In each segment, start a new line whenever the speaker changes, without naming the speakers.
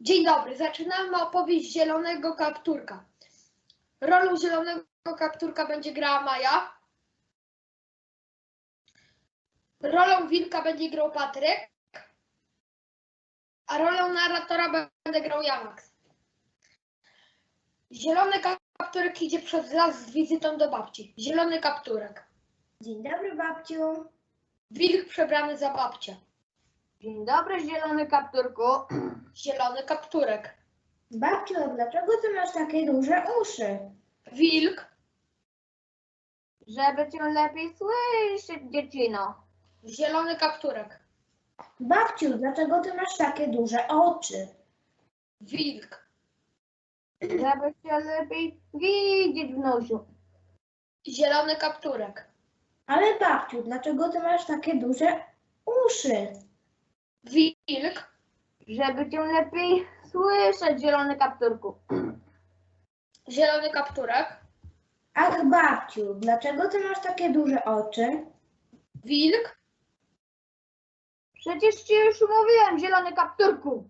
Dzień dobry, zaczynamy opowieść Zielonego Kapturka. Rolą Zielonego Kapturka będzie grała Maja. Rolą Wilka będzie grał Patryk. A rolą narratora będę grał ja, Max. Zielony Kapturek idzie przez las z wizytą do babci. Zielony Kapturek.
Dzień dobry, babciu.
Wilk przebrany za babcię.
Dzień dobry, Zielony Kapturku.
Zielony Kapturek.
Babciu, a dlaczego ty masz takie duże uszy?
Wilk.
Żeby cię lepiej słyszeć, dziecino.
Zielony Kapturek.
Babciu, dlaczego ty masz takie duże oczy?
Wilk.
Żeby cię lepiej widzieć, wnusiu.
Zielony Kapturek.
Ale babciu, dlaczego ty masz takie duże uszy?
Wilk.
Żeby cię lepiej słyszeć, Zielony Kapturku.
Zielony Kapturek.
Ach, babciu, dlaczego ty masz takie duże oczy?
Wilk.
Przecież ci już mówiłem, Zielony Kapturku.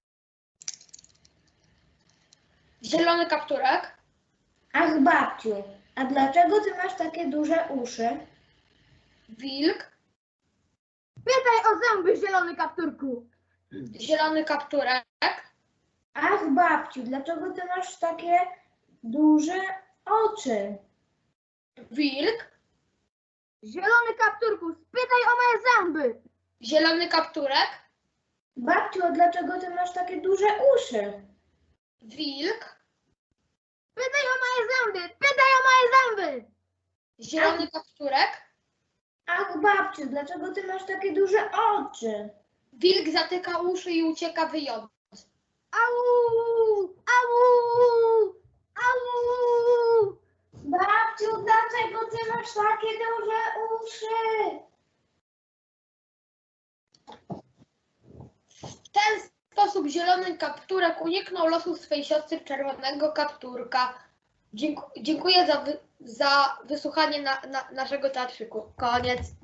Zielony Kapturek.
Ach, babciu, a dlaczego ty masz takie duże uszy?
Wilk.
Pytaj o zęby, Zielony Kapturku.
Zielony Kapturek.
Ach, babciu, dlaczego ty masz takie duże oczy?
Wilk.
Zielony Kapturku, spytaj o moje zęby.
Zielony Kapturek.
Babciu, a dlaczego ty masz takie duże uszy?
Wilk.
Pytaj o moje zęby, pytaj o moje zęby.
Zielony Kapturek.
Ach, babciu, dlaczego ty masz takie duże oczy?
Wilk zatyka uszy i ucieka wyjąc.
Au, au, au. Babciu, dlaczego ty masz takie duże uszy?
W ten sposób Zielony Kapturek uniknął losu swej siostry Czerwonego Kapturka. Dziękuję za wysłuchanie naszego teatrzyku. Koniec.